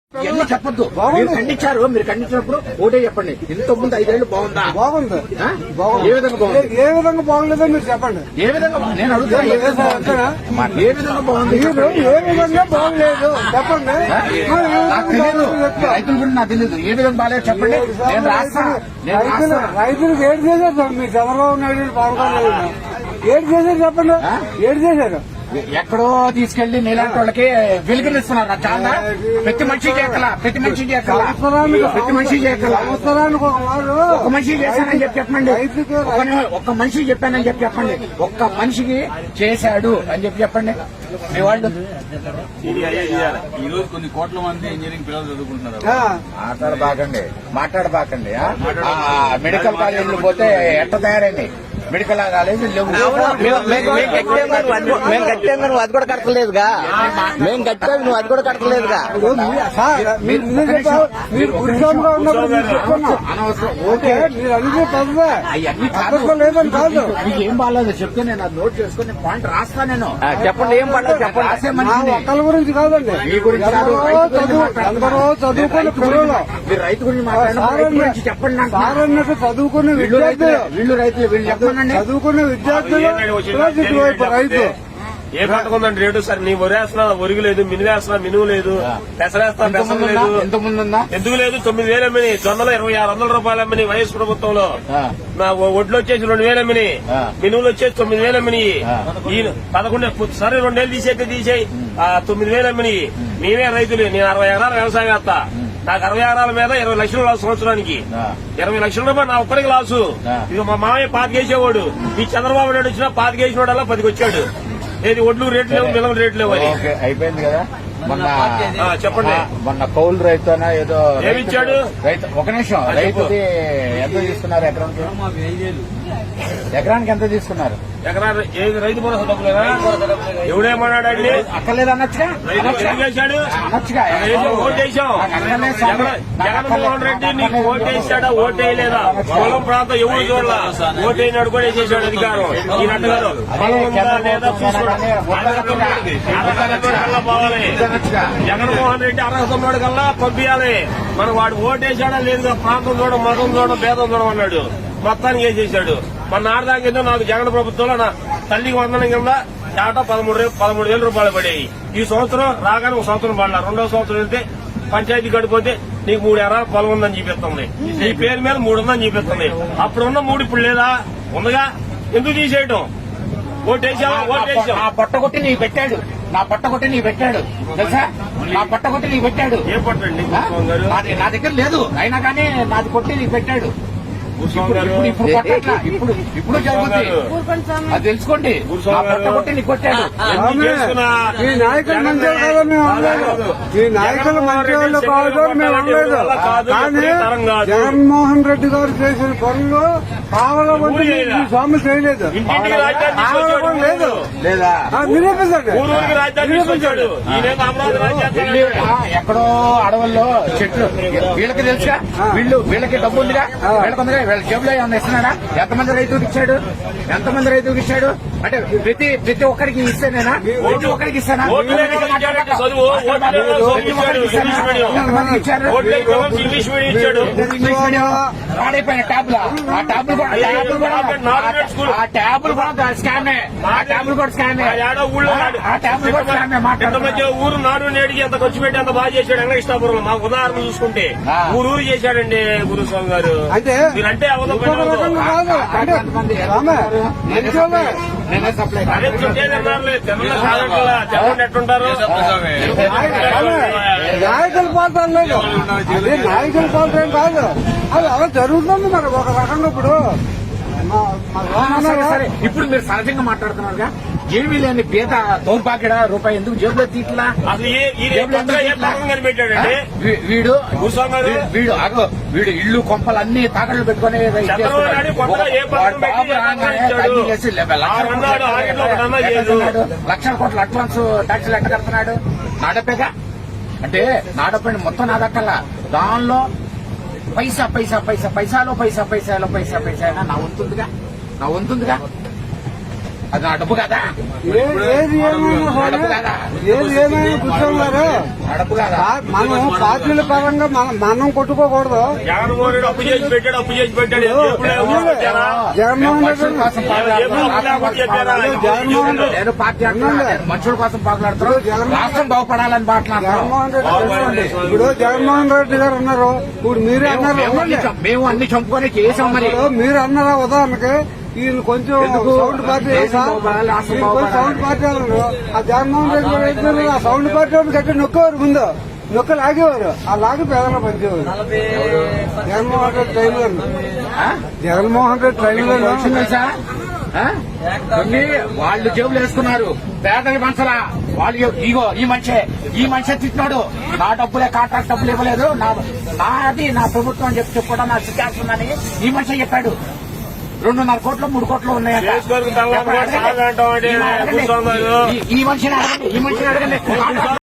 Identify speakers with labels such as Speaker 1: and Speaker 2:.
Speaker 1: ఇవన్నీ చెప్పొద్దు. మీరు ఖండించారు, మీరు ఖండించినప్పుడు ఓటే చెప్పండి. ఇంత ముందు 5 ఏళ్లు బాగుందా?
Speaker 2: బాగుంది.
Speaker 1: ఏ విధంగా బాగుంది?
Speaker 2: ఏ విధంగా బాగలేదో మీరు చెప్పండి.
Speaker 1: ఏ విధంగా నేను అడుగుతున్నా, ఏ విధంగా బాగుంది?
Speaker 2: ఏ విధంగా బాగలేదు చెప్పండి.
Speaker 1: నాకు తెలియదు, రైతుల గురించి నాకు తెలియదు. ఏ విధంగా బాగాలేదు చెప్పండి, నేను రాస్తాను.
Speaker 2: రైతులకు ఏడు చేశారు మీ చంద్రబాబు నాయుడు పవన్ కళ్యాణ్ ఏడు చేశారు చెప్పండి. ఏడు చేశారు.
Speaker 1: ఎక్కడో తీసుకెళ్లి నీలాంటి వాళ్ళకి వెలుగునిస్తున్నారు. చాలా ప్రతి మనిషికి ఎక్కలా, ప్రతి మనిషికి ఎక్కలా, ప్రతి మనిషికి ఎక్కలా.
Speaker 2: సంవత్సరానికి
Speaker 1: ఒక మనిషికి చేశానని చెప్పి చెప్పండి. ఒక్క మనిషికి చెప్పానని చెప్పి చెప్పండి. ఒక్క మనిషికి చేశాడు అని చెప్పి చెప్పండి. మీ వాళ్ళు
Speaker 3: ఈ రోజు కొన్ని కోట్ల మంది ఇంజనీరింగ్ పిల్లలు చదువుకుంటున్నారు.
Speaker 1: మాట్లాడబాకండి. మెడికల్ కాలేజీలు పోతే ఎట్ట తయారైంది? మెడికల్ కాలేజీ లేవు.
Speaker 4: మేము కట్టాం నువ్వు అది కూడా కట్టలేదుగా. మేము కట్టాము నువ్వు అది కూడా కట్టలేదుగా.
Speaker 2: మీరు ఉద్యోగంగా ఉన్నప్పుడు మీరు చెప్తున్నా ఓకే మీరు అడిగే పదవే లేదని కాదు.
Speaker 1: మీకు ఏం బాగాలేదు చెప్తే నేను అది నోట్ చేసుకుని పాయింట్ రాస్తా. నేను
Speaker 4: చెప్పండి ఏం పడలేదు చెప్పండి.
Speaker 1: రాసే
Speaker 2: మా
Speaker 1: మనిషిని.
Speaker 2: ఒక్కల గురించి కాదండి.
Speaker 1: మీ గురించి కాదు,
Speaker 2: ఎందరో చదువుకునే పిల్లలు
Speaker 1: మీరు రైతు గురించి మాట్లాడండి. చెప్పండి నాకు.
Speaker 2: సార్ అన్నట్టు చదువుకునే
Speaker 1: వీళ్ళు
Speaker 2: విద్యార్థులు
Speaker 1: రైతులు వీళ్ళు చెప్పండి.
Speaker 2: చదువుకునే విద్యార్థులు ఇటువైపు రైతు
Speaker 3: ఏ పంటకుందండి రేటు సార్? నీ వరేస్తున్నా ఒరుగు లేదు, మినుము వేస్తున్నా మినుము లేదు, పెసరేస్తా పెసరం లేదు. ఎందుకు లేదు? 9,000 అమ్మిని జొన్నలు 2,600 రూపాయలు అమ్మిని వైఎస్ ప్రభుత్వంలో. నా ఒడ్లు వచ్చేసి 2,000 అమ్మిని, మినువులు వచ్చేసి 9,000 అమ్మిని. ఈ 11 సరే 2 ఏళ్ళు తీసేయి 9,000 అమ్మిని. మేమే రైతులు. నేను 60 ఎకరాల వ్యవసాయం వేస్తా. నాకు 60 ఎకరాల మీద 20 లక్షలు లాసు సంవత్సరానికి. 20 లక్షల రూపాయలు నా ఒక్కడికి లాసు. ఇది మా మామయ్య 5 వేసేవాడు. ఈ చంద్రబాబు నాయుడు వచ్చినా 5 వేసినోడల్లా 10కి వచ్చాడు. ఏది ఒడ్లు రేట్లు లేవు, మిలవ రేట్లు లేవు అని
Speaker 1: అయిపోయింది కదా.
Speaker 3: చెప్పండి.
Speaker 1: మొన్న కౌలు రైతు ఏదో
Speaker 3: ఏమిచ్చాడు?
Speaker 1: రైతు ఒక నిమిషం, రైతుది ఎంత తీసుకున్నారు? ఎకరానికి ఎంత తీసుకున్నారు?
Speaker 3: ఎకరాలు ఏది రైతు భరోసా డబ్బులేదా? ఎవడేమన్నాడండి?
Speaker 1: అక్కర్లేదు అనొచ్చుగా.
Speaker 3: చేశాడు
Speaker 1: అనొచ్చుగా.
Speaker 3: ఓటేసాం. జగన్మోహన్ రెడ్డి నీకు ఓటేసాడా? ఓటేయలేదా? పొలం ప్రాంతం ఎవరు చూడాల? ఓటైనాడు కూడా వేసేసాడు అధికారం. ఈ నట్టుగారు పొలం ఉందా లేదా చూసుకోవాలి. పోవాలి. జగన్మోహన్ రెడ్డి అర్హత ఉన్నాడు కల్లా పంపించాలి. మనం వాడు ఓటేసాడా లేదుగా? ప్రాంతం చూడడం, మతం చూడడం, భేదం చూడడం అన్నాడు. మొత్తానికి వేసేసాడు. మన ఆడదాకా నాకు జగన్ ప్రభుత్వంలో నా తల్లికి వందనం కింద చాటా 13,000 రూపాయలు పడేవి. ఈ సంవత్సరం రాగానే ఒక సంవత్సరం పడలా. 2వ సంవత్సరం వెళ్తే పంచాయతీ గడిపోతే నీకు 3 ఎకరాల పొలం ఉందని చూపిస్తుంది. నీ పేరు మీద 3 ఉందని చూపిస్తుంది. అప్పుడున్న 3 ఇప్పుడు లేదా? ఉందిగా. ఎందుకు తీసేయటం? ఓటేసావా? ఓటేసాం.
Speaker 1: నా పొట్టగొట్టి నీకు పెట్టాడు. నా పొట్టగొట్టి నీకు పెట్టాడు తెలుసా? నా పొట్టగొట్టి నీకు పెట్టాడు.
Speaker 3: ఏ పట్టండి?
Speaker 1: నా దగ్గర లేదు, అయినా కానీ నాది కొట్టి నీకు పెట్టాడు. ఇప్పుడు కొట్టట్లా. ఇప్పుడు జరుగుతుంది. అది తెలుసుకోండి. నా పొట్టగొట్టి నీకు కొట్టాడు.
Speaker 2: ఈ నాయకులు మంచి కాదు మేము అనలేదు. ఈ నాయకులు మంచి వాళ్ళు కాదు మేము అనలేదు. కానీ జగన్మోహన్ రెడ్డి గారు చేసిన పనులు కావాలని ఈ స్వామి చేయలేదు. లేదు
Speaker 1: లేదా?
Speaker 2: నిరూపించండి.
Speaker 1: ఎక్కడో అడవుల్లో చెట్లు వీళ్ళకి తెలుసుగా. వీళ్ళకి డబ్బు ఉందిగా. వీళ్ళకి వీళ్ళ జేబులో ఏమన్నా ఇస్తున్నాడా? ఎంతమంది రైతులకు ఇచ్చాడు? అంటే ప్రతి ఒక్కరికి ఇస్తేనేనా? ప్రతి ఒక్కరికి ఇస్తానా? పాడైపోయిన ట్యాబ్లా? ఆ ట్యాబ్లు కూడా స్కామే.
Speaker 3: ఊరు నాడు నేడికి ఎంత ఖర్చు పెట్టి అంత బాగా చేశాడు వెంకటేశ్వరపురం. మాకు ఉదాహరణ చూసుకుంటే ఊరు చేశాడండి గురుస్వామి గారు. మీరంటే ఎట్టుంటారు?
Speaker 2: నాయకుల పాత్ర లేదు. అది నాయకుల పాత్ర ఏం కాదు. అది అలా జరుగుతుంది మరి ఒక రకంగా.
Speaker 1: ఇప్పుడు మీరు సహజంగా మాట్లాడుతున్నారుగా. ఏమీ లేని పేద దౌర్భాగ్యడ రూపాయి ఎందుకు జేబులో తీట్లా? వీడు ఇల్లు కొంపలు అన్ని తాకట్లు పెట్టుకుని లక్షల కోట్ల అడ్వాన్స్ ట్యాక్సీలు ఎట్ట కడుతున్నాడు? నాడపేగా. అంటే నాడపండి మొత్తం నా దక్కల్లా. దానిలో పైసాలో పైసా అయినా నా వంతుందిగా. అది నా డబ్బు కదా,
Speaker 2: ఏది ఏమైనా సరే, ఏది ఏమైనా కూర్చోన్నారు.
Speaker 1: డబ్బు కదా.
Speaker 2: మనం పార్టీల పరంగా మనం కొట్టుకోకూడదు.
Speaker 3: జగన్మోహన్ రెడ్డి అప్పు చేసి పెట్టాడు, అప్పు చేసి పెట్టాడు. ఎప్పుడు ఏమో వచ్చారా?
Speaker 2: జగన్మోహన్ రెడ్డి
Speaker 1: మనుషుల కోసం
Speaker 2: జగన్మోహన్ రెడ్డి
Speaker 1: నేను పార్టీ అంటున్నాను, మనుషుల కోసం పాకులాడుతారు, రాష్ట్రం బాగుపడాలని మాట్లాడుతున్నాం.
Speaker 2: జగన్మోహన్ రెడ్డి తెలుసండి. ఇప్పుడు జగన్మోహన్ రెడ్డి గారు అన్నారు, ఇప్పుడు మీరే అన్నారు,
Speaker 1: మేము అన్ని చంపుకొని చేసాం. మరి
Speaker 2: ఇప్పుడు మీరు అన్నారా ఉదాహరణకి ఈయన కొంచెం సౌండ్ పార్టీ తెలుసా? ఈయన కొంచెం సౌండ్ పార్టీ అన్నారు. ఆ జగన్మోహన్ రెడ్డి గారు అయితే ఆ సౌండ్ పార్టీ వాళ్ళు గట్టి నొక్కేవారు, ముందు నొక్క లాగేవారు, ఆ లాగి పేదలు పంచేవారు. జగన్మోహన్ రెడ్డి ట్రైన్ జగన్మోహన్ రెడ్డి ట్రైన్
Speaker 1: తెలుసా? కొన్ని వాళ్ళు జేబులు వేసుకున్నారు, పేదకి మనసలా వాళ్ళు. ఇగో ఈ మనిషి తిట్టినాడు, నా డబ్బులే కాంట్రాక్ట్ డబ్బులు ఇవ్వలేదు, నాది నా ప్రభుత్వం అని చెప్పుకోవడం నా సిద్ధాంతమని ఈ మనిషి చెప్పాడు. 2.5 కోట్లు 3 కోట్లు ఉన్నాయంట.
Speaker 3: చేసుకొని తల్లంతా సాగంటాం అంటే
Speaker 1: ఈ మనిషిని అడగండి.